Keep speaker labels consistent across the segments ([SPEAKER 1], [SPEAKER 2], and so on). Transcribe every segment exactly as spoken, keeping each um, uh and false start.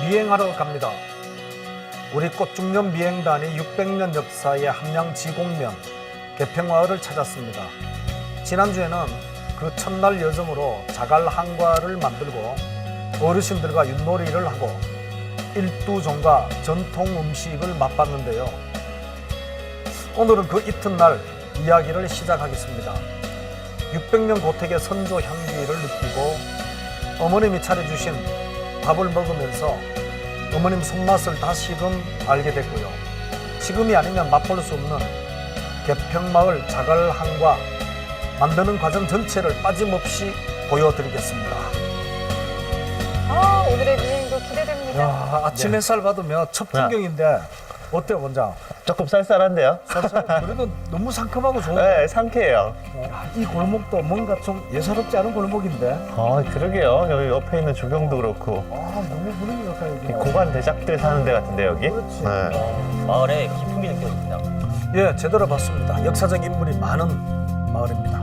[SPEAKER 1] 비행하러 갑니다. 우리 꽃중년 비행단이 육백 년 역사의 함양지곡면 개평마을을 찾았습니다. 지난주에는 그 첫날 여정으로 자갈 한과를 만들고 어르신들과 윷놀이를 하고 일두종과 전통 음식을 맛봤는데요. 오늘은 그 이튿날 이야기를 시작하겠습니다. 육백 년 고택의 선조 향기를 느끼고 어머님이 차려주신 밥을 먹으면서 어머님 손맛을 다시금 알게 됐고요. 지금이 아니면 맛볼 수 없는 개평마을 자갈 한과 만드는 과정 전체를 빠짐없이 보여드리겠습니다.
[SPEAKER 2] 아, 오늘의 비행도 기대됩니다.
[SPEAKER 1] 야, 아침 햇살 받으면 첫 풍경인데 어때요, 원장?
[SPEAKER 3] 조금 쌀쌀한데요?
[SPEAKER 1] 그래도 너무 상큼하고 좋은데.
[SPEAKER 3] 네, 상쾌해요.
[SPEAKER 1] 이 골목도 뭔가 좀 예사롭지 않은 골목인데.
[SPEAKER 3] 아, 그러게요. 여기 옆에 있는 조경도 그렇고.
[SPEAKER 1] 아, 너무 분위기 좋다 여기.
[SPEAKER 3] 고관 대작들 사는 데 같은데, 여기?
[SPEAKER 1] 그렇지.
[SPEAKER 3] 네.
[SPEAKER 4] 마을에 기품이 느껴집니다.
[SPEAKER 1] 예, 제대로 봤습니다. 역사적 인물이 많은 마을입니다.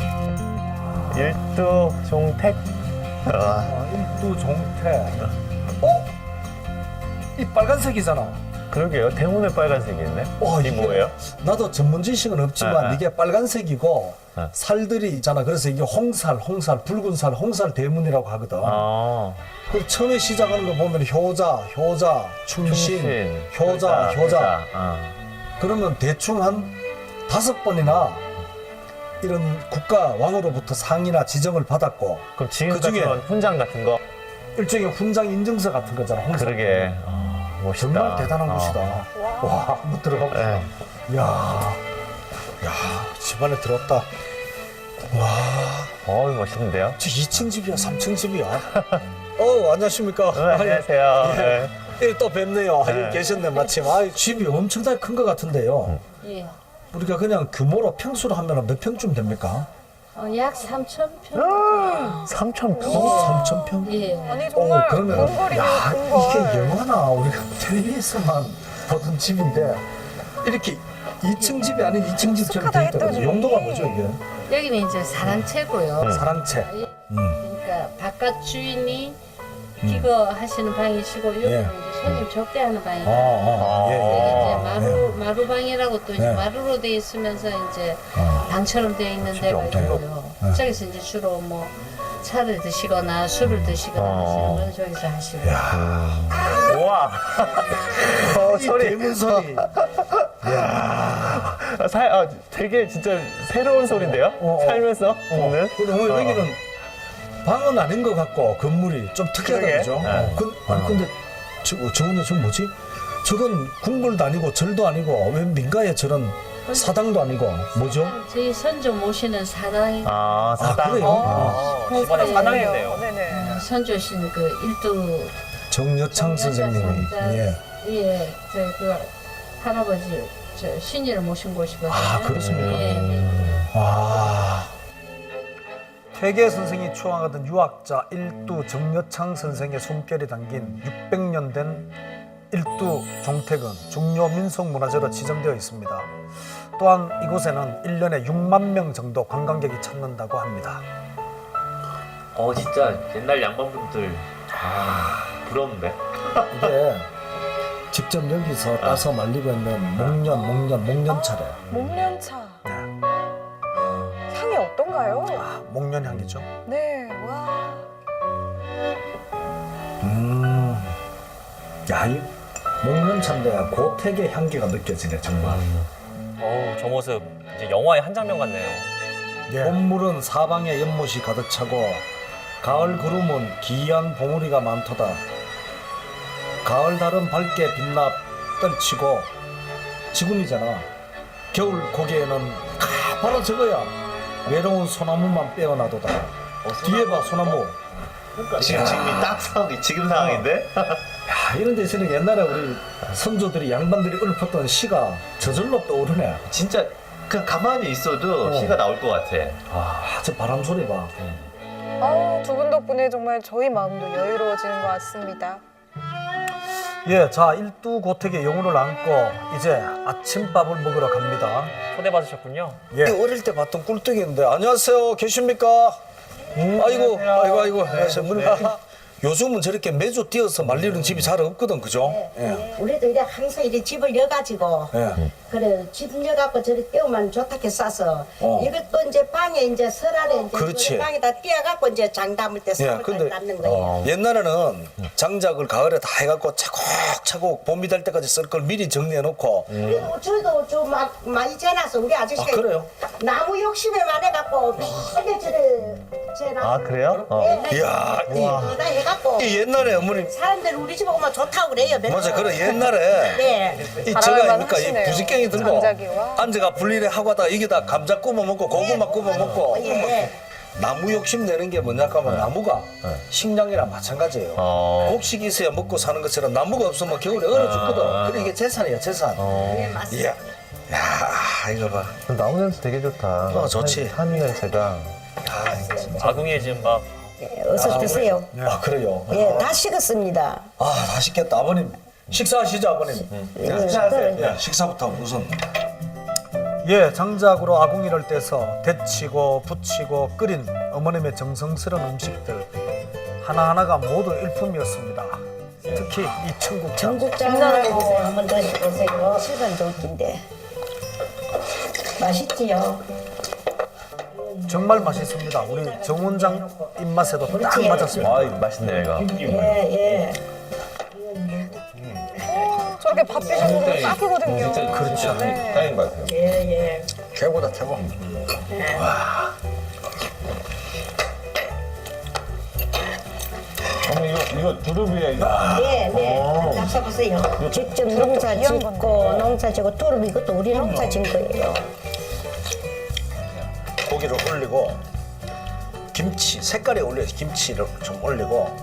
[SPEAKER 3] 일두종택. 아,
[SPEAKER 1] 아, 일두 종태. 어? 이 빨간색이잖아.
[SPEAKER 3] 그러게요. 대문에 빨간색이 있네.
[SPEAKER 1] 어,
[SPEAKER 3] 이게 뭐예요?
[SPEAKER 1] 나도 전문 지식은 없지만
[SPEAKER 3] 아, 아.
[SPEAKER 1] 이게 빨간색이고
[SPEAKER 3] 아.
[SPEAKER 1] 살들이 있잖아. 그래서 이게 홍살, 홍살, 붉은 살, 홍살 대문이라고 하거든.
[SPEAKER 3] 아,
[SPEAKER 1] 그 처음에 시작하는 거 보면 효자, 효자, 충신,
[SPEAKER 3] 충신,
[SPEAKER 1] 효자, 효자.
[SPEAKER 3] 아.
[SPEAKER 1] 그러면 대충 한 다섯 번이나 이런 국가 왕으로부터 상이나 지정을 받았고
[SPEAKER 3] 그럼 지금
[SPEAKER 1] 그중에
[SPEAKER 3] 같은 훈장 같은 거?
[SPEAKER 1] 일종의 훈장 인증서 같은 거잖아. 홍살.
[SPEAKER 3] 그러게. 아, 멋있다.
[SPEAKER 1] 정말 대단한
[SPEAKER 3] 아.
[SPEAKER 1] 곳이다. 와, 한번 들어가 보자.
[SPEAKER 3] 네.
[SPEAKER 1] 야, 야, 집안에 들었다. 와,
[SPEAKER 3] 어우, 멋있는데요?
[SPEAKER 1] 저 이 층 집이야, 삼 층 집이야. 어, 안녕하십니까?
[SPEAKER 3] 네, 안녕하세요.
[SPEAKER 1] 예.
[SPEAKER 3] 네.
[SPEAKER 1] 예, 또 뵙네요.
[SPEAKER 3] 네.
[SPEAKER 1] 여기 계셨네, 마침. 아, 집이 엄청나게 큰 것 같은데요.
[SPEAKER 5] 예.
[SPEAKER 1] 우리가 그냥 규모로 평수로 하면 몇 평쯤 됩니까?
[SPEAKER 5] 어, 약 삼천 평.
[SPEAKER 3] 삼천 평?
[SPEAKER 1] 삼천 평?
[SPEAKER 5] 예.
[SPEAKER 2] 아니,
[SPEAKER 1] 어,
[SPEAKER 2] 정말
[SPEAKER 1] 그러면
[SPEAKER 2] 궁궐이네요,
[SPEAKER 1] 야,
[SPEAKER 2] 궁궐.
[SPEAKER 1] 이게 영화나 우리가 텔레비에서만 보던 집인데 이렇게 이 층 집이 아닌 이 층 집처럼
[SPEAKER 2] 익숙하다
[SPEAKER 1] 돼 있다고.
[SPEAKER 2] 했더니.
[SPEAKER 1] 용도가 뭐죠, 이게?
[SPEAKER 5] 여기는 이제 사랑채고요.
[SPEAKER 1] 사랑채.
[SPEAKER 5] 예.
[SPEAKER 1] 음.
[SPEAKER 5] 그러니까 바깥 주인이 기거하시는 방이시고 여기는
[SPEAKER 1] 예.
[SPEAKER 5] 이제 손님 접대하는
[SPEAKER 1] 아,
[SPEAKER 5] 방이에요.
[SPEAKER 1] 아, 예,
[SPEAKER 5] 여기
[SPEAKER 1] 예.
[SPEAKER 5] 이제 마루 마루방이라고 또 이제
[SPEAKER 1] 네.
[SPEAKER 5] 마루로 돼 있으면서 이제
[SPEAKER 1] 어.
[SPEAKER 5] 방처럼 돼 있는 데가 있고요.
[SPEAKER 1] 네.
[SPEAKER 5] 저기서 이제 주로 뭐 차를 드시거나 술을 드시거나
[SPEAKER 3] 어.
[SPEAKER 5] 하시는 건 저기서 하시고.
[SPEAKER 3] 우와. 어,
[SPEAKER 1] 이
[SPEAKER 3] 소리.
[SPEAKER 1] 대문 소리.
[SPEAKER 3] 아, 사, 아, 되게 진짜 새로운 소리인데요?
[SPEAKER 1] 어, 어.
[SPEAKER 3] 살면서 듣는?
[SPEAKER 1] 근데 오늘
[SPEAKER 3] 어.
[SPEAKER 1] 여기는 방은 아닌 것 같고 건물이 좀 특이하다
[SPEAKER 3] 그러게.
[SPEAKER 1] 그죠?
[SPEAKER 3] 네.
[SPEAKER 1] 어, 근, 아니 근데 저, 저거는 저 뭐지? 저건 궁궐도 아니고 절도 아니고 왜 민가에 저런 사당도 아니고 뭐죠?
[SPEAKER 5] 저희 선조 모시는 사당이
[SPEAKER 3] 아, 사당.
[SPEAKER 1] 아, 그래요?
[SPEAKER 2] 어,
[SPEAKER 4] 아, 집안에 사당이네요.
[SPEAKER 2] 네네.
[SPEAKER 5] 선조신 그 일두
[SPEAKER 1] 정여창 선생님이 예.
[SPEAKER 5] 예, 저그 할아버지 저 신이를 모신 곳이거든요.
[SPEAKER 1] 아, 그렇습니까?
[SPEAKER 5] 예, 예.
[SPEAKER 1] 와. 퇴계 선생이 추앙하던 유학자 일두 정여창 선생의 숨결이 담긴 육백 년 된 일두 종택은 중요 민속 문화재로 지정되어 있습니다. 또한 이곳에는 일 년에 육만 명 정도 관광객이 찾는다고 합니다.
[SPEAKER 4] 어 진짜 옛날 양반분들 아 부럽네.
[SPEAKER 1] 이게 직접 여기서 따서 말리고 있는 목련, 목련, 목련차래.
[SPEAKER 2] 목련차.
[SPEAKER 1] 네.
[SPEAKER 2] 향이 어떤가요?
[SPEAKER 1] 아, 목련 향기죠.
[SPEAKER 2] 네, 와.
[SPEAKER 1] 음, 야, 이 목련차인데 고택의 향기가 느껴지네 정말.
[SPEAKER 4] 어우 저 모습 이제 영화의 한 장면 같네요.
[SPEAKER 1] 봄물은 사방에 연못이 가득 차고 가을 구름은 기이한 봉우리가 많도다. 가을 달은 밝게 빛나 떨치고 지금이잖아. 겨울 고개에는 가 바로 저거야. 외로운 소나무만 빼어나도다. 뒤에 봐 소나무.
[SPEAKER 3] 지금, 지금이 딱 상황이, 지금 상황인데?
[SPEAKER 1] 야, 이런 데서는 옛날에 우리 선조들이 양반들이 읊었던 시가 저절로 떠오르네.
[SPEAKER 3] 진짜 그냥 가만히 있어도
[SPEAKER 1] 어.
[SPEAKER 3] 시가 나올 것 같아.
[SPEAKER 1] 아, 저 바람 소리 봐.
[SPEAKER 2] 아, 두 분 덕분에 정말 저희 마음도 여유로워지는 것 같습니다.
[SPEAKER 1] 예, 자 일두 고택의 영혼을 안고 이제 아침밥을 먹으러 갑니다.
[SPEAKER 4] 초대받으셨군요.
[SPEAKER 1] 예. 어릴 때 봤던 꿀떡이었는데 안녕하세요, 계십니까? 음, 아이고, 아이고, 아이고, 안녕하십니까? 요즘은 저렇게 매주 띄어서 말리는 집이 잘 없거든, 그죠? 예.
[SPEAKER 6] 우리도 이래 항상 이래 집을 여가지고
[SPEAKER 1] 예.
[SPEAKER 6] 그래 집 여갖고 저리 띄우면 좋다게 싸서
[SPEAKER 1] 어.
[SPEAKER 6] 이것도 이제 방에 이제 설알에 이제
[SPEAKER 1] 그렇지.
[SPEAKER 6] 그 방에다 띄어갖고 이제 장 담을 때
[SPEAKER 1] 예,
[SPEAKER 6] 삼월까지
[SPEAKER 1] 근데
[SPEAKER 6] 담는 거예요.
[SPEAKER 1] 옛날에는 장작을 가을에 다 해갖고 차곡차곡 봄이 될 때까지 쓸 걸 미리 정리해놓고
[SPEAKER 6] 그리고 저도 좀 막 많이 재놨어. 우리 아저씨가
[SPEAKER 1] 아, 그래요?
[SPEAKER 6] 나무 욕심에 많아갖고 매일 저를 재놨어.
[SPEAKER 3] 아 그래요? 어.
[SPEAKER 1] 이야, 이,
[SPEAKER 6] 다 해갖고
[SPEAKER 1] 이 옛날에 어머님
[SPEAKER 6] 사람들 우리 집 오면 좋다고 그래요. 맨날.
[SPEAKER 1] 맞아, 그래 옛날에
[SPEAKER 6] 네.
[SPEAKER 1] 이
[SPEAKER 2] 바람만
[SPEAKER 1] 제가 그러니까 이
[SPEAKER 2] 하시네요.
[SPEAKER 1] 부지깽이 들고
[SPEAKER 2] 장작이와.
[SPEAKER 1] 앉아가 분리를 하고 하다가 이게 다 감자 구워 먹고 고구마 구워 먹고
[SPEAKER 6] 예.
[SPEAKER 1] 나무 욕심 내는 게 뭐냐 하면 나무가 식량이랑 마찬가지예요.
[SPEAKER 3] 어.
[SPEAKER 1] 곡식이 있어야 먹고 사는 것처럼 나무가 없으면 겨울에 얼어 죽거든. 그래 이게 재산이야 재산.
[SPEAKER 6] 네, 맞습니다.
[SPEAKER 1] 이야, 야 이거 봐.
[SPEAKER 3] 나무 냄새 되게 좋다.
[SPEAKER 1] 어, 좋지.
[SPEAKER 3] 한, 한 냄새가.
[SPEAKER 4] 아궁이에 지금 막
[SPEAKER 6] 예, 어서 드세요.
[SPEAKER 1] 아 그래요.
[SPEAKER 6] 예, 다 식었습니다.
[SPEAKER 1] 아 맛있겠다 아버님. 식사하시죠 아버님.
[SPEAKER 6] 예,
[SPEAKER 1] 식사하세요. 예, 식사부터 우선. 예, 장작으로 아궁이를 떼서 데치고 부치고 끓인 어머님의 정성스러운 음식들 하나하나가 모두 일품이었습니다. 특히 이 청국장.
[SPEAKER 6] 전국장을 드세요. 한번 드셔보세요. 실간도 웃긴데. 맛있지요?
[SPEAKER 1] 정말 맛있습니다. 우리 정원장 입맛에도 딱
[SPEAKER 6] 그렇지.
[SPEAKER 1] 맞았습니다.
[SPEAKER 3] 아 맛있네 이거.
[SPEAKER 6] 예, 예.
[SPEAKER 2] 저렇게 밥 비벼먹으면 딱이거든요.
[SPEAKER 1] 그렇죠.
[SPEAKER 2] 네.
[SPEAKER 3] 딱인 것 같아요.
[SPEAKER 6] 예, 예.
[SPEAKER 1] 최고다 최고.
[SPEAKER 3] 어머 이거 이거 두릅이야 이거.
[SPEAKER 6] 네, 네. 잡숴보세요. 직접 농사
[SPEAKER 2] 귀한
[SPEAKER 6] 짓고, 농사 짓고, 두릅 이것도 우리 농사 짓 거예요.
[SPEAKER 1] 고기를 올리고 김치 색깔에 올려서 김치를 좀 올리고.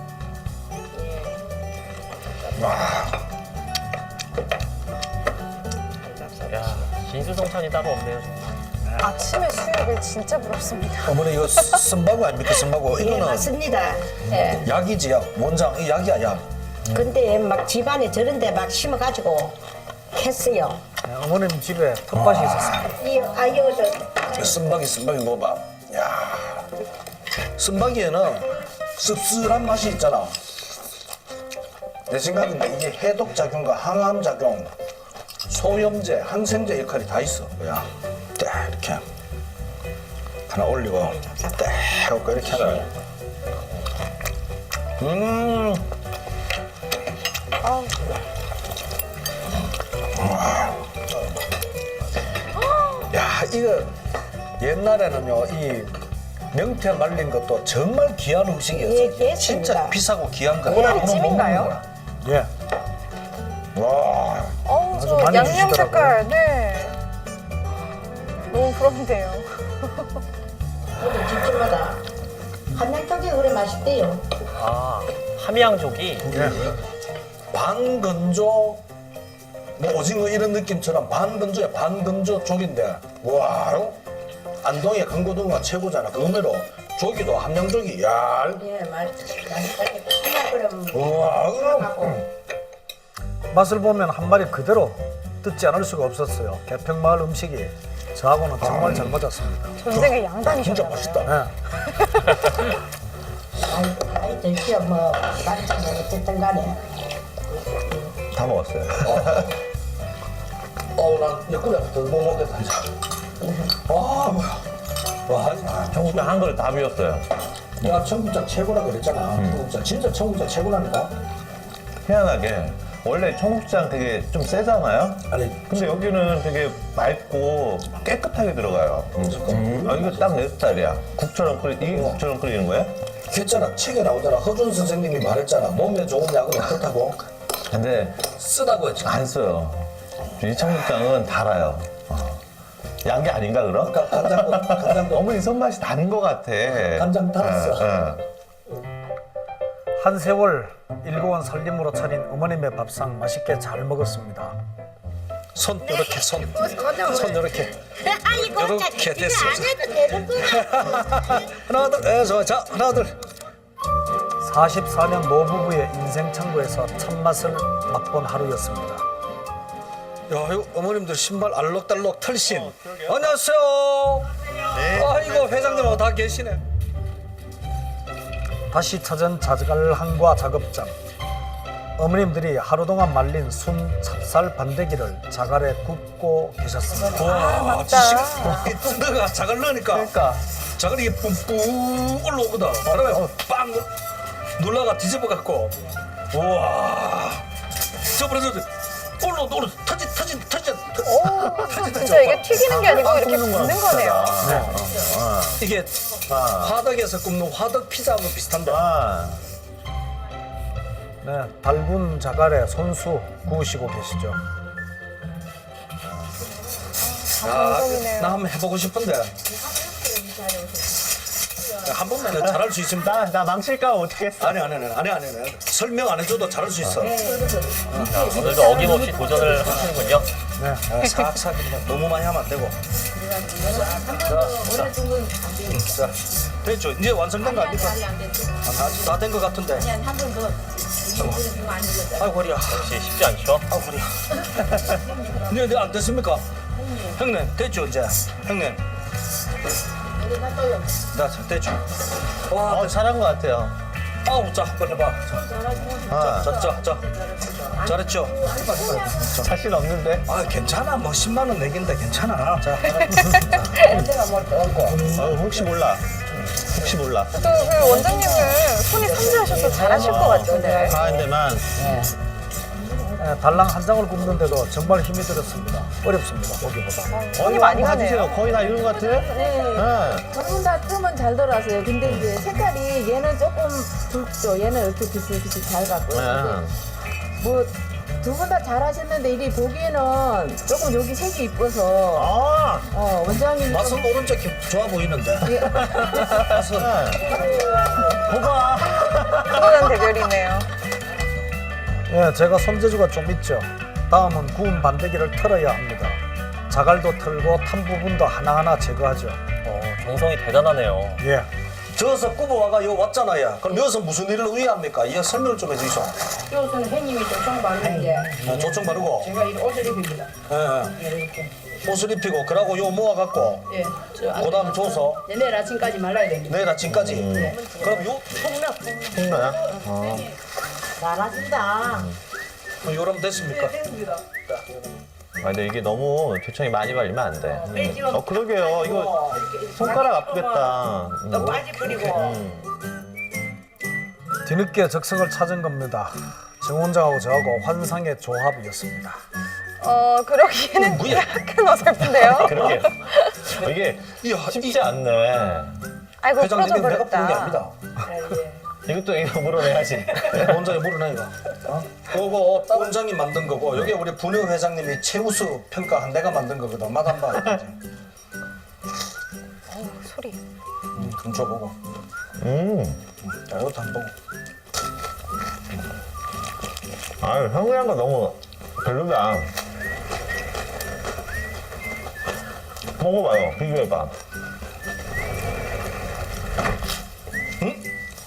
[SPEAKER 4] 야 진수성찬이 따로 없네요.
[SPEAKER 2] 아침에 수육을 진짜 부럽습니다.
[SPEAKER 1] 어머니 이거 쓴바구 아닙니까 쓴바구?
[SPEAKER 6] 예,
[SPEAKER 1] 이거는
[SPEAKER 6] 맞습니다. 예.
[SPEAKER 1] 약이지 약. 원장 이 약이야 약.
[SPEAKER 6] 근데 막 집안에 저런데 막 심어가지고 했어요.
[SPEAKER 1] 네, 어머님 집에 텃밭이 있었습니다.
[SPEAKER 6] 이 아이어도
[SPEAKER 1] 쓴바기 쓴바기 먹어봐. 야, 쓴바기에는 씁쓸한 맛이 있잖아. 내 생각인데 이게 해독 작용과 항암 작용, 소염제, 항생제 역할이 다 있어. 그냥 딱 이렇게 하나 올리고 딱 하고 이렇게 하나. 음.
[SPEAKER 2] 아우.
[SPEAKER 1] 야, 이거 옛날에는요, 이 명태 말린 것도 정말 귀한 음식이었어요.
[SPEAKER 6] 예, 그렇습니다.
[SPEAKER 1] 진짜 비싸고 귀한 거.
[SPEAKER 2] 오늘 찜인가요?
[SPEAKER 1] 예. 와.
[SPEAKER 2] 어우,
[SPEAKER 1] 아주
[SPEAKER 2] 저
[SPEAKER 1] 많이
[SPEAKER 2] 양념
[SPEAKER 1] 주시더라고요.
[SPEAKER 2] 색깔, 네. 너무 부럽네요.
[SPEAKER 6] 우리 집집마다 한양쪽이 그래 맛있대요.
[SPEAKER 4] 아 함양족이
[SPEAKER 1] 예. 반건조, 뭐 오징어 이런 느낌처럼 반건조야, 반건조 족인데, 와, 안동의 강고등어 최고잖아. 그 의미로 조기도 함양조기, 야,
[SPEAKER 6] 예, 맛, 맛있다게 그럼
[SPEAKER 1] 우와,
[SPEAKER 6] 하고
[SPEAKER 1] 맛을 보면 한 마리 그대로 듣지 않을 수가 없었어요. 개평마을 음식이 저하고는 정말 잘 맞았습니다.
[SPEAKER 2] 전생에
[SPEAKER 1] 진짜
[SPEAKER 2] 양반이셨나봐요.
[SPEAKER 1] 맛있다. 예.
[SPEAKER 6] 아이, 아이 드시오 뭐 맛있는 어쨌든 간에
[SPEAKER 3] 다 먹었어요.
[SPEAKER 1] 어우, 난 옆구리 아프다. 못 먹겠다, 이제. 아, 뭐야. 와,
[SPEAKER 3] 청국장 한 그릇 다 비웠어요.
[SPEAKER 1] 내가 청국장 최고라 그랬잖아. 청국장. 진짜 청국장 최고라니까.
[SPEAKER 3] 희한하게 원래 청국장 되게 좀 세잖아요.
[SPEAKER 1] 아니,
[SPEAKER 3] 근데 여기는 되게 맑고 깨끗하게 들어가요. 음. 아 이거 딱 내 스타일이야. 국처럼 끓이 이게 국처럼 끓이는 거야?
[SPEAKER 1] 했잖아. 책에 나오잖아. 허준 선생님이 말했잖아. 몸에 좋은 약은 어떻다고?
[SPEAKER 3] 근데
[SPEAKER 1] 쓰다고 했잖아.
[SPEAKER 3] 안 써요. 이 청국장은 달아요. 어. 양 게 아닌가 그럼?
[SPEAKER 1] 아까 간장도, 간장도.
[SPEAKER 3] 어머니 손맛이 다른 것 같아.
[SPEAKER 1] 간장 달았어.
[SPEAKER 3] 어, 어.
[SPEAKER 1] 한 세월 일고원 살림으로 차린 어머님의 밥상 맛있게 잘 먹었습니다. 손 이렇게 손, 손 이렇게 이렇게 됐어.
[SPEAKER 6] 안 해도 되는 거야.
[SPEAKER 1] 하나 둘, 에, 좋아, 자 하나 둘. 사십사 년 노부부의 인생 창고에서 참맛을 맛본 하루였습니다. 야, 이거 어머님들 신발 알록달록 털신. 안녕하세요. 아이고 회장님하고 다 계시네. 다시 찾은 자갈 한과 작업장. 어머님들이 하루 동안 말린 순 찹쌀 반대기를 자갈에 굽고 계셨습니다.
[SPEAKER 2] 아, 맞다.
[SPEAKER 7] 너가 자갈 넣으니까
[SPEAKER 3] 그러니까
[SPEAKER 7] 자갈이 이게 뿜뿜 올라오거든. 그러면 빵 눌러가 뒤집어 갖고 우와 저번에 올라 올라 터지 터지 터지
[SPEAKER 2] 오, 진짜 이게 튀기는 게 아니고 이렇게 굽는 거네요.
[SPEAKER 7] 이게 화덕에서 굽는 화덕 피자하고 비슷한데.
[SPEAKER 3] 아,
[SPEAKER 1] 네, 달군 자갈에 손수 구우시고 계시죠.
[SPEAKER 2] 감동이네요.
[SPEAKER 7] 나 한번 해보고 싶은데 한 번만 내가 잘할 수 있으면
[SPEAKER 3] 나, 나 망칠까 못하겠어.
[SPEAKER 7] 아니 아니 아니 아니 아니 아니 설명 안 해줘도 잘할 수 있어.
[SPEAKER 4] 오늘도 어김없이 도전을 하시는군요.
[SPEAKER 7] 아, 싹싹 그냥 너무 많이 하면 안 되고.
[SPEAKER 5] 오래 두면 안 돼요.
[SPEAKER 7] 자 됐죠. 이제 완성된 거 아닙니까?
[SPEAKER 5] 아니 안 됐죠.
[SPEAKER 7] 다 된 거 같은데.
[SPEAKER 5] 아니 한 번 더. 이거 보여주면 안 되겠다.
[SPEAKER 7] 아이고 허리야.
[SPEAKER 4] 역시 쉽지 않죠.
[SPEAKER 7] 아이고 허리야. 이제 이제 안 됐습니까? 형님 됐죠 이제. 형님.
[SPEAKER 5] 여기 놔둬요.
[SPEAKER 7] 나 잘 됐죠. 와,
[SPEAKER 3] 어, 잘한 것 같아요.
[SPEAKER 7] 아우 자 한번 해봐.
[SPEAKER 3] 아,
[SPEAKER 7] 자, 자, 자. 잘했죠?
[SPEAKER 3] 자신 없는데.
[SPEAKER 7] 아 괜찮아. 뭐 십만 원 내긴데 괜찮아. 자.
[SPEAKER 3] 어, 혹시 몰라. 혹시 몰라.
[SPEAKER 2] 또 그 원장님은 손이 섬세하셔서 잘하실 것 같은데.
[SPEAKER 3] 가는 데만.
[SPEAKER 1] 네, 달랑 한 장을 굽는데도 정말 힘이 들었습니다. 어렵습니다, 보기보다.
[SPEAKER 2] 손이 많이
[SPEAKER 3] 봐주세요.
[SPEAKER 2] 가네요.
[SPEAKER 3] 거의 다 이런 것 같아. 네.
[SPEAKER 8] 전부 다 틈은 잘 돌아서요. 근데 이제 색깔이 얘는 조금 붉죠. 얘는 이렇게 비슷비슷 잘 갔고요.
[SPEAKER 3] 네.
[SPEAKER 8] 뭐 두 분 다 잘하셨는데 이리 보기에는 조금 여기 색이 이뻐서
[SPEAKER 3] 아,
[SPEAKER 8] 어, 원장님 좀
[SPEAKER 7] 맛은 오른쪽 좋아 보이는데. 맛은.
[SPEAKER 3] 봐봐.
[SPEAKER 2] 그거는 대결이네요.
[SPEAKER 1] 예, 제가 손재주가 좀 있죠. 다음은 구운 반대기를 털어야 합니다. 자갈도 털고 탄 부분도 하나하나 제거하죠.
[SPEAKER 4] 어, 정성이 대단하네요.
[SPEAKER 1] 예,
[SPEAKER 7] 저서 굽어와가 여기 왔잖아요. 그럼 여기서 무슨 일을 의뢰합니까? 이 설명을 좀 해주시오.
[SPEAKER 5] 이것은 형님이 조청 바르는데
[SPEAKER 7] 아, 조청 바르고.
[SPEAKER 5] 제가 이 옷을 입힙니다.
[SPEAKER 7] 예, 예.
[SPEAKER 5] 예, 이렇게.
[SPEAKER 7] 옷을 입히고 그러고 요 모아갖고
[SPEAKER 5] 예. 저
[SPEAKER 7] 그 다음 줘서
[SPEAKER 5] 네, 내일 아침까지 말라야 됩니다.
[SPEAKER 7] 내일 아침까지. 그럼 요
[SPEAKER 5] 폭력.
[SPEAKER 3] 홍나야? 어.
[SPEAKER 6] 잘하신다.
[SPEAKER 7] 요럼 됐습니까?
[SPEAKER 3] 아, 근데 이게 너무 조청이 많이 발리면 안 돼. 음. 어, 그러게요. 이거 손가락 아프겠다. 음.
[SPEAKER 5] 빠지 뿌리고.
[SPEAKER 3] 음.
[SPEAKER 1] 뒤늦게 적성을 찾은 겁니다. 정 원장하고 저하고 환상의 조합이었습니다.
[SPEAKER 2] 어, 그러기에는 약간 어설픈데요.
[SPEAKER 3] 그러게요. 어, 이게
[SPEAKER 7] 이야,
[SPEAKER 3] 쉽지 않네.
[SPEAKER 2] 아이고,
[SPEAKER 7] 회장님
[SPEAKER 2] 부러져
[SPEAKER 7] 내가 부른 게
[SPEAKER 2] 버렸다.
[SPEAKER 7] 아닙니다.
[SPEAKER 3] 이것도 이거 물어내야지.
[SPEAKER 7] 원장이 모르네 이거. 어? 그거 따 원장이 만든 거고 여기 우리 분유 회장님이 최우수 평가한 내가 만든 거거든. 맛 한번.
[SPEAKER 2] 어우, 소리.
[SPEAKER 7] 음, 좀 줘보고.
[SPEAKER 3] 음.
[SPEAKER 7] 자, 이것도 한 번 보고.
[SPEAKER 3] 아유, 형이란 거 너무 별로다. 먹어봐요. 비교해봐. 응?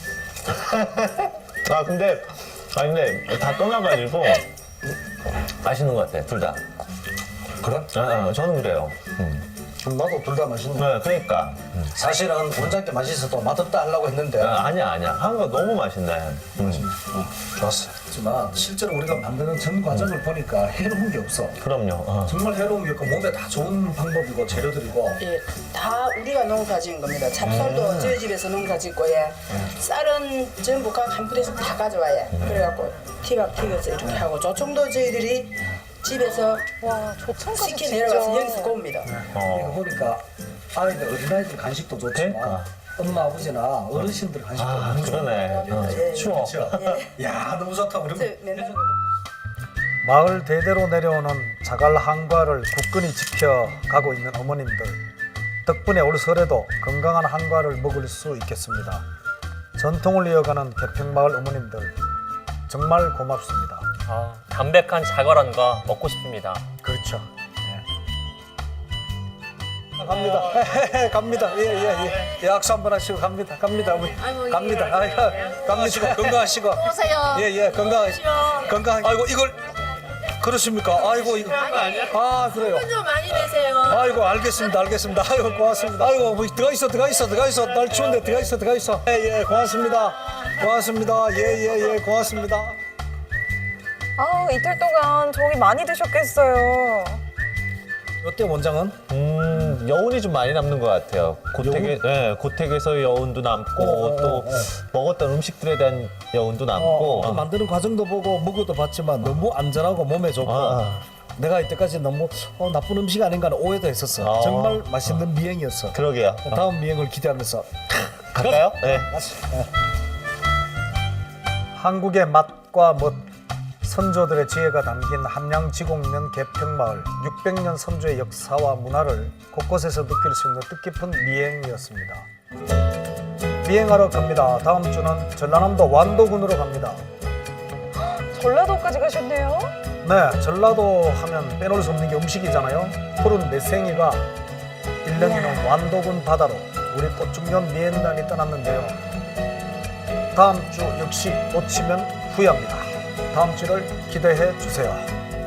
[SPEAKER 3] 아, 근데, 아, 근데 다 떠나가지고 맛있는 것 같아, 둘 다.
[SPEAKER 7] 그래?
[SPEAKER 3] 아, 아, 저는 그래요. 음.
[SPEAKER 7] 좀 나도 둘 다 맛있네.
[SPEAKER 3] 네, 그러니까. 음.
[SPEAKER 7] 사실은 원장께 맛있어도 맛없다 하려고 했는데
[SPEAKER 3] 아, 아니야, 아니야. 하는 거 너무 맛있네. 음.
[SPEAKER 7] 좋았어. 하지만 실제로 우리가 만드는 전 과정을 보니까 해로운 게 없어.
[SPEAKER 3] 그럼요. 어.
[SPEAKER 7] 정말 해로운 게 없고 몸에 다 좋은 방법이고 재료들이고.
[SPEAKER 9] 예, 다 우리가 농사 지은 겁니다. 찹쌀도 저희 집에서 농사 짓고, 예. 쌀은 전부 각 한 푸대씩 다 가져와요. 그래갖고 티박 튀겨서 이렇게 하고, 조청도 저희들이 집에서
[SPEAKER 2] 와, 조청까지
[SPEAKER 9] 시켜
[SPEAKER 2] 직접.
[SPEAKER 9] 내려가서 여기서 구웁니다.
[SPEAKER 7] 이거
[SPEAKER 3] 어.
[SPEAKER 7] 보니까 아이들 어린아이들 간식도 좋지만
[SPEAKER 3] 그러니까.
[SPEAKER 7] 엄마 아버지나 어르신들 간식도
[SPEAKER 3] 아,
[SPEAKER 7] 너무 좋아.
[SPEAKER 3] 그러네. 어. 추워.
[SPEAKER 7] 그렇죠? 야 너무 좋다. 그러면
[SPEAKER 9] 맨날
[SPEAKER 1] 마을 대대로 내려오는 자갈 한과를 굳건히 지켜가고 있는 어머님들 덕분에 올 설에도 건강한 한과를 먹을 수 있겠습니다. 전통을 이어가는 개평마을 어머님들 정말 고맙습니다.
[SPEAKER 4] 아, 담백한 자갈한과 먹고 싶습니다.
[SPEAKER 1] 그렇죠.
[SPEAKER 7] 갑니다. 갑니다. 예예 예. 예. 약수 한번 하시고 갑니다. 갑니다. 우리 갑니다. 아이고, 건강하시고 건강하시고.
[SPEAKER 5] 오세요.
[SPEAKER 7] 예예 건강 건강. 아이고 이걸
[SPEAKER 1] 그렇습니까? 아이고 이거 아 그래요.
[SPEAKER 5] 좀 많이 내세요.
[SPEAKER 1] 아이고 알겠습니다 알겠습니다. 아이고 고맙습니다. 아이고 뭐 들어가 있어 들어가 있어 들어가 있어 날 추운데 들어가 있어 들어가 있어. 예예 고맙습니다. 고맙습니다. 예예예 고맙습니다.
[SPEAKER 2] 아우 이틀 동안 저기 많이 드셨겠어요.
[SPEAKER 1] 어때 원장은?
[SPEAKER 3] 음, 여운이 좀 많이 남는 것 같아요. 고택에, 예, 고택에서 여운도 남고
[SPEAKER 1] 어,
[SPEAKER 3] 또
[SPEAKER 1] 어, 어.
[SPEAKER 3] 먹었던 음식들에 대한 여운도 남고.
[SPEAKER 1] 어, 어, 만드는 과정도 보고 먹어도 봤지만 너무 안전하고 몸에 좋고
[SPEAKER 3] 아,
[SPEAKER 1] 내가 이때까지 너무 어, 나쁜 음식 아닌가 하는 오해도 했었어.
[SPEAKER 3] 아.
[SPEAKER 1] 정말 맛있는 미행이었어.
[SPEAKER 3] 그러게요.
[SPEAKER 1] 다음 미행을 기대하면서
[SPEAKER 3] 갈까요? 네.
[SPEAKER 1] 한국의 맛과 멋, 선조들의 지혜가 담긴 함양지곡면 개평마을 육백 년 선조의 역사와 문화를 곳곳에서 느낄 수 있는 뜻깊은 미행이었습니다. 미행하러 갑니다. 다음 주는 전라남도 완도군으로 갑니다.
[SPEAKER 2] 전라도까지 가셨네요.
[SPEAKER 1] 네, 전라도 하면 빼놓을 수 없는 게 음식이잖아요. 푸른 매생이가 일렁이는 완도군 바다로 우리 꽃중년 미행단이 떠났는데요. 다음 주 역시 놓치면 후회합니다. 다음 주를 기대해 주세요.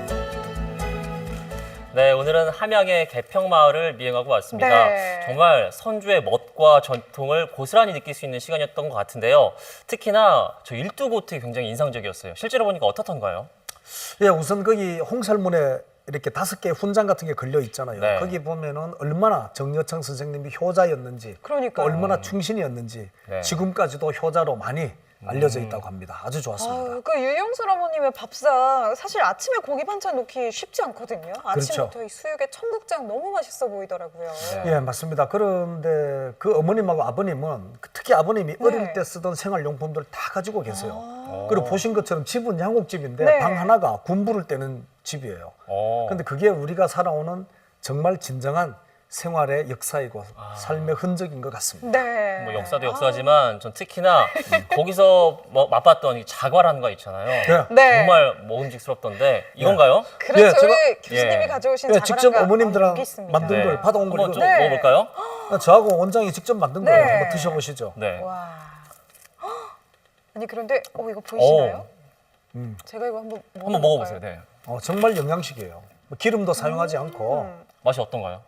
[SPEAKER 4] 네, 오늘은 함양의 개평마을을 미행하고 왔습니다.
[SPEAKER 2] 네.
[SPEAKER 4] 정말 선조의 멋과 전통을 고스란히 느낄 수 있는 시간이었던 것 같은데요. 특히나 저 일두고택이 굉장히 인상적이었어요. 실제로 보니까 어떻던가요?
[SPEAKER 1] 예, 우선 거기 홍살문에 이렇게 다섯 개의 훈장 같은 게 걸려 있잖아요.
[SPEAKER 4] 네.
[SPEAKER 1] 거기 보면은 얼마나 정여창 선생님이 효자였는지,
[SPEAKER 2] 그러니까요.
[SPEAKER 1] 또 얼마나 충신이었는지
[SPEAKER 4] 네.
[SPEAKER 1] 지금까지도 효자로 많이 알려져 있다고 합니다. 아주 좋았습니다.
[SPEAKER 2] 아유, 그 유영술 어머님의 밥상 사실 아침에 고기 반찬 놓기 쉽지 않거든요. 아침부터
[SPEAKER 1] 그렇죠.
[SPEAKER 2] 이 수육에 청국장 너무 맛있어 보이더라고요.
[SPEAKER 1] 예, 맞습니다. 그런데 그 어머님하고 아버님은 특히 아버님이
[SPEAKER 2] 네.
[SPEAKER 1] 어릴 때 쓰던 생활용품들을 다 가지고 계세요. 그리고 보신 것처럼 집은 양옥집인데
[SPEAKER 2] 네.
[SPEAKER 1] 방 하나가 군부를 떼는 집이에요.
[SPEAKER 4] 어.
[SPEAKER 1] 근데 그게 우리가 살아오는 정말 진정한 생활의 역사이고 삶의 흔적인 것 같습니다.
[SPEAKER 2] 네.
[SPEAKER 4] 뭐 역사도 역사지만 전 특히나 거기서 뭐 맛봤던 이 자과라는 거 있잖아요.
[SPEAKER 1] 네.
[SPEAKER 2] 네.
[SPEAKER 4] 정말 먹음직스럽던데 이건가요?
[SPEAKER 2] 그렇죠.
[SPEAKER 1] 예, 제가-
[SPEAKER 2] 우리 교수님이
[SPEAKER 4] 예.
[SPEAKER 2] 가져오신
[SPEAKER 1] 예,
[SPEAKER 2] 자갈가
[SPEAKER 1] 직접 어머님들랑
[SPEAKER 2] 여기 있습니다.
[SPEAKER 1] 만든
[SPEAKER 4] 네.
[SPEAKER 1] 걸 받아온 걸
[SPEAKER 4] 한번 좀
[SPEAKER 1] 이거
[SPEAKER 2] 네.
[SPEAKER 4] 먹어볼까요?
[SPEAKER 1] 저하고 원장이 직접 만든
[SPEAKER 2] 네.
[SPEAKER 1] 거예요. 한번 드셔보시죠.
[SPEAKER 4] 네.
[SPEAKER 2] 와. 헉! 아니 그런데 어 이거 보이시나요?
[SPEAKER 1] 음.
[SPEAKER 2] 제가 이거 한번
[SPEAKER 4] 한번 먹어보세요. 네.
[SPEAKER 1] 어, 정말 영양식이에요. 뭐 기름도 사용하지 않고
[SPEAKER 4] 맛이 어떤가요?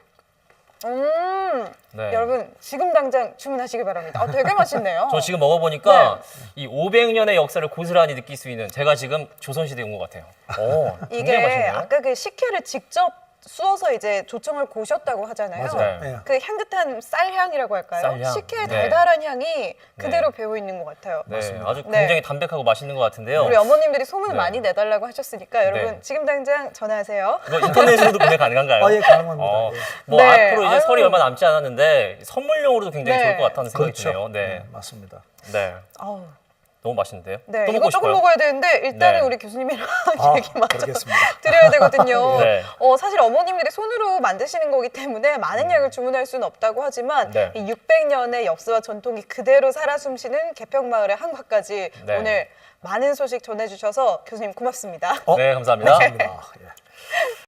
[SPEAKER 2] 음.
[SPEAKER 4] 네.
[SPEAKER 2] 여러분 지금 당장 주문하시기 바랍니다. 어, 되게 맛있네요.
[SPEAKER 4] 저 지금 먹어보니까
[SPEAKER 2] 네.
[SPEAKER 4] 이 오백 년의 역사를 고스란히 느낄 수 있는 제가 지금 조선시대에 온 것 같아요. 오, 굉장히
[SPEAKER 2] 이게
[SPEAKER 4] 맛있네요.
[SPEAKER 2] 아까 그 식혜를 직접 쑤어서 이제 조청을 고셨다고 하잖아요.
[SPEAKER 1] 맞아요.
[SPEAKER 4] 네.
[SPEAKER 1] 예.
[SPEAKER 2] 그 향긋한 쌀향이라고 할까요?
[SPEAKER 4] 쌀향.
[SPEAKER 2] 식혜의
[SPEAKER 4] 네.
[SPEAKER 2] 달달한 향이 그대로 배어 있는 것 같아요.
[SPEAKER 4] 네, 아주
[SPEAKER 2] 네.
[SPEAKER 4] 굉장히 담백하고 맛있는 것 같은데요.
[SPEAKER 2] 우리 어머님들이 소문을
[SPEAKER 4] 네.
[SPEAKER 2] 많이 내달라고 하셨으니까 여러분
[SPEAKER 4] 네.
[SPEAKER 2] 지금 당장 전화하세요.
[SPEAKER 4] 이거 인터넷으로도 구매 가능한가요?
[SPEAKER 1] 아, 예, 가능합니다.
[SPEAKER 4] 어,
[SPEAKER 1] 예.
[SPEAKER 4] 뭐
[SPEAKER 2] 네.
[SPEAKER 4] 앞으로 이제
[SPEAKER 2] 아유.
[SPEAKER 4] 설이 얼마 남지 않았는데 선물용으로도 굉장히
[SPEAKER 2] 네.
[SPEAKER 4] 좋을 것 같다는 생각이
[SPEAKER 1] 그렇죠.
[SPEAKER 4] 드네요. 네,
[SPEAKER 1] 네, 맞습니다.
[SPEAKER 4] 네,
[SPEAKER 2] 아우,
[SPEAKER 4] 너무 맛있는데요.
[SPEAKER 2] 네,
[SPEAKER 4] 또
[SPEAKER 2] 이거
[SPEAKER 4] 먹고
[SPEAKER 2] 조금
[SPEAKER 4] 싶어요.
[SPEAKER 2] 먹어야 되는데 일단은
[SPEAKER 4] 네.
[SPEAKER 2] 우리 교수님이랑
[SPEAKER 1] 아,
[SPEAKER 2] 얘기 마저
[SPEAKER 1] 그러겠습니다.
[SPEAKER 2] 드려야 되거든요.
[SPEAKER 4] 네.
[SPEAKER 2] 어, 사실 어머님들이 손으로 만드시는 거기 때문에 많은 양을 주문할 수는 없다고 하지만
[SPEAKER 4] 네.
[SPEAKER 2] 이 육백 년의 역사와 전통이 그대로 살아 숨쉬는 개평마을의 한과까지
[SPEAKER 4] 네.
[SPEAKER 2] 오늘 많은 소식 전해주셔서 교수님 고맙습니다.
[SPEAKER 1] 어?
[SPEAKER 4] 네, 감사합니다.
[SPEAKER 1] 감사합니다. 예.